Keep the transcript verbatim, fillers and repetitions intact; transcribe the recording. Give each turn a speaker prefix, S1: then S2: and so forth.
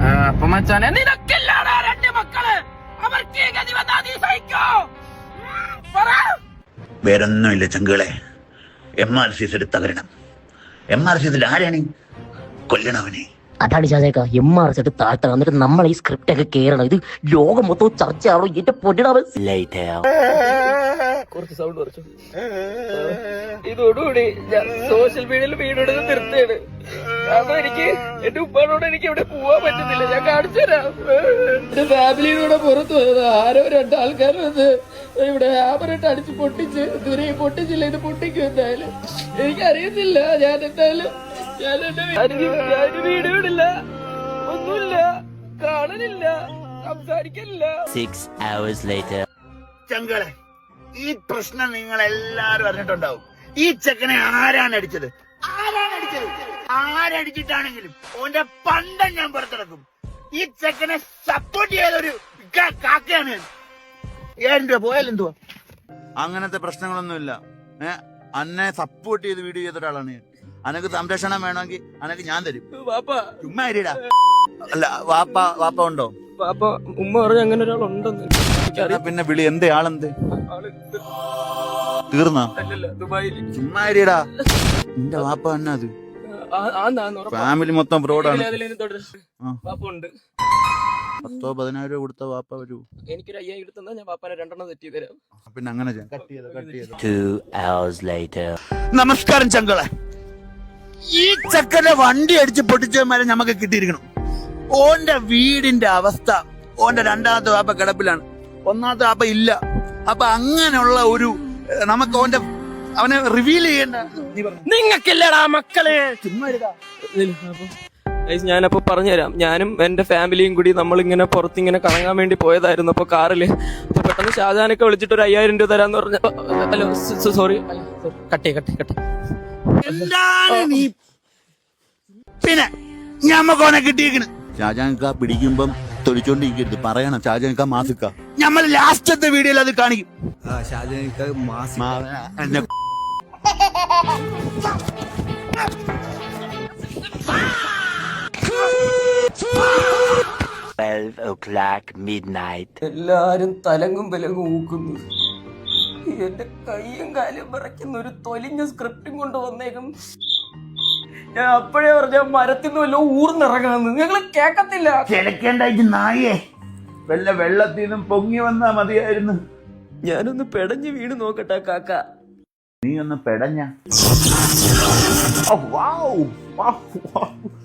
S1: അപ്പൊ മച്ചാനെ നിനക്കില്ലാടാ രണ്ട് മക്കള്, അവർക്ക് ഈ ഗതി വന്നാ നീ സഹിക്കോ? പറ.
S2: വേറൊന്നുമില്ല ചങ്കുകളെ, എം ആർ സി എസ് തകരണം. എം ആർ സി എസിൽ ആരാണ് കൊല്ലണവനെ?
S3: അതാണ് ചാചേക്ക എം ആർ എസ് എടുത്ത് താഴ്ത്തണം. എന്നിട്ട് നമ്മൾ ഈ സ്ക്രിപ്റ്റ് ഒക്കെ കേറണം. ഇത് ലോകം മൊത്തം ചർച്ചയാണോ? എന്റെ പൊന്നിടാവൻ
S1: കുറച്ച് സൗണ്ട് കുറച്ചു. ഇതോടുകൂടി ഞാൻ സോഷ്യൽ മീഡിയയിൽ വീഡിയോ നിർത്തുകയാണ്. കാരണം എനിക്ക് എന്റെ ഉപ്പാനോട് എനിക്ക് ഇവിടെ പോവാൻ പറ്റുന്നില്ല. ഞാൻ കാണിച്ചു തരാം. എന്റെ ഫാമിലിയുടെ പുറത്ത് പോയത് ആരോ രണ്ടാൾക്കാർ വന്ന് ഇവിടെ ഹാമറിട്ട് അടിച്ച് പൊട്ടിച്ച് ഇതുവരെ പൊട്ടിച്ചില്ല. ഇത് പൊട്ടിക്കും എന്തായാലും എനിക്കറിയത്തില്ല. ഞാൻ എന്തായാലും ഞാൻ എന്റെ ഞാൻ വീഡിയോ ഇടില്ല, ഒന്നുമില്ല, കാണലില്ല, സംസാരിക്കലില്ല.
S3: Six hours later.
S2: ചങ്കുകളെ, ഈ പ്രശ്നം നിങ്ങൾ എല്ലാരും അറിഞ്ഞിട്ടുണ്ടാവും. ഈ ചെക്കനെ ആരാണ് അടിച്ചത്? ആരാണ് അടിച്ചത്? ആരടിച്ചിട്ടാണെങ്കിലും ഓന്റെ പണ്ടം ഞാൻ പുറത്തിറക്കും. ഈ ചെക്കനെ സപ്പോർട്ട് ചെയ്തൊരു കാക്കയാണ്. ഏഴ് രൂപ പോയാലെന്തുവാ? അങ്ങനത്തെ പ്രശ്നങ്ങളൊന്നുമില്ല. ഏഹ് അന്നെ സപ്പോർട്ട് ചെയ്ത് വീഡിയോ ചെയ്ത ഒരാളാണ് ഞാൻ. അനക്ക് സംരക്ഷണം വേണമെങ്കിൽ അനക്ക് ഞാൻ തരും. ചുമ്മാ ഇരിടാ. അല്ല വാപ്പ വാപ്പ ഉണ്ടോ?
S1: പാപ്പ ഉമ്മ പറഞ്ഞ അങ്ങനെ ഒരാളുണ്ടെന്ന്.
S2: പിന്നെ വിളി. എന്തേ ആളെന്ത് തീർന്നാ? ചുമ്മാ ഇരിടാ. നിന്റെ വാപ്പ തന്നെ അത്. ഫാമിലി മൊത്തം ഫ്രോഡാണ്. പത്തോ പതിനായിരം രൂപ കൊടുത്ത വാപ്പ വരൂ.
S1: എനിക്കൊരു അയ്യായിരം എടുത്താ ഞാൻ വാപ്പാനെ രണ്ടെണ്ണം തെറ്റി തരാം.
S2: പിന്നെ അങ്ങനെ
S3: later.
S2: നമസ്കാരം ചങ്കളെ. ഈ ചക്കനെ വണ്ടി അടിച്ച് പൊട്ടിച്ചവന്മാരെ നമുക്ക് കിട്ടിയിരിക്കണം. ഓന്റെ വീടിന്റെ അവസ്ഥ, ഓന്റെ രണ്ടാമത്തെ വാപ്പ കിടപ്പിലാണ്, ഒന്നാമത്തെ വാപ്പ ഇല്ല. അപ്പൊ അങ്ങനെയുള്ള ഒരു നമുക്ക് ഓന്റെ അവനെ റിവീൽ ചെയ്യണ്ട.
S1: നിങ്ങൾക്കില്ലടാ മക്കളെ. ഞാനപ്പോ പറഞ്ഞുതരാം. ഞാനും എന്റെ ഫാമിലിയും കൂടി നമ്മളിങ്ങനെ പുറത്തിങ്ങനെ കറങ്ങാൻ വേണ്ടി പോയതായിരുന്നു. അപ്പൊ കാറില് അപ്പൊ പെട്ടെന്ന് ഷാജാനൊക്കെ വിളിച്ചിട്ട് ഒരു അയ്യായിരം രൂപ തരാന്ന് പറഞ്ഞ. ഹലോ സോറി, കട്ടേ കട്ടേ കട്ടേ.
S2: എന്താണ് നീ? പിന്നെ ഞമ്മക്കോനെ കിട്ടിയിരിക്കണ്. ഷാജാൻക പിടിക്കുമ്പം തൊലിച്ചോണ്ടിരിക്കരുത്, പറയണം ഷാജാൻക മാസിക്ക. ഞമ്മൾ ലാസ്റ്റത്തെ വീഡിയോയിൽ അത് കാണിക്കും.
S3: twelve o'clock midnight.
S1: എല്ലാരും തലങ്ങും വിലങ്ങും ഊക്കുന്നു. എന്റെ കൈയും കാലും വിറയ്ക്കുന്ന ഒരു തൊലിഞ്ഞ സ്ക്രിപ്റ്റും കൊണ്ട് വന്നേക്കും. ഞാൻ അപ്പോഴേ പറഞ്ഞ മരത്തിന്ന് വല്ലോ ഊർന്നിറങ്ങാന്ന്. ഞങ്ങള് കേക്കത്തില്ല.
S2: ചിലക്കേണ്ടായിട്ട് നായേ, വെള്ള വെള്ളത്തിൽ നിന്നും പൊങ്ങി വന്നാ മതിയായിരുന്നു.
S1: ഞാനൊന്ന് പെടഞ്ഞ് വീണ് നോക്കട്ടെ കാക്ക.
S2: നീ ഒന്ന് പെടഞ്ഞ.